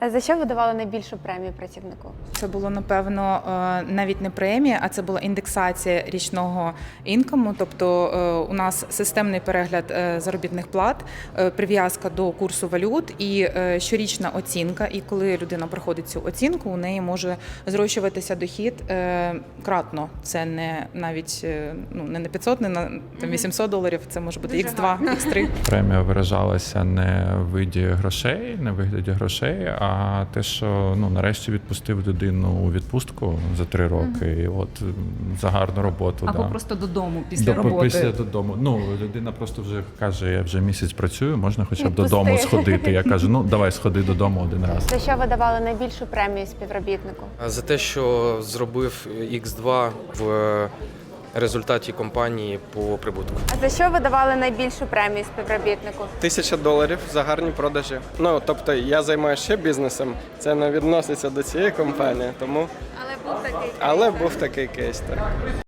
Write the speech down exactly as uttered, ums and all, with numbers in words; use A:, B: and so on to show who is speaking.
A: А за що ви давали найбільшу премію працівнику?
B: Це було, напевно, навіть не премія, а це була індексація річного інкому. Тобто у нас системний перегляд заробітних плат, прив'язка до курсу валют і щорічна оцінка. І коли людина проходить цю оцінку, у неї може зрощуватися дохід кратно. Це не навіть ну, не на п'ятсот, не на там, вісімсот доларів, це може бути ікс два, ікс три.
C: Премія виражалася не в виді грошей, не в вигляді грошей, а те, що ну нарешті відпустив людину у відпустку за три роки, mm-hmm. і от за гарну роботу.
D: Або
C: да.
D: просто додому після
C: До,
D: роботи.
C: Після додому. Ну, людина просто вже каже, я вже місяць працюю, можна хоча б додому сходити. Я кажу, ну давай сходи додому один раз.
A: За що ви давали найбільшу премію співробітнику?
E: За те, що зробив ікс два в результаті компанії по прибутку.
A: А за що ви давали найбільшу премію співробітнику?
F: Тисяча доларів за гарні продажі. Ну, тобто я займаюся ще бізнесом, це не відноситься до цієї компанії, тому...
A: Але був такий кейс.
F: Але був такий кейс, так.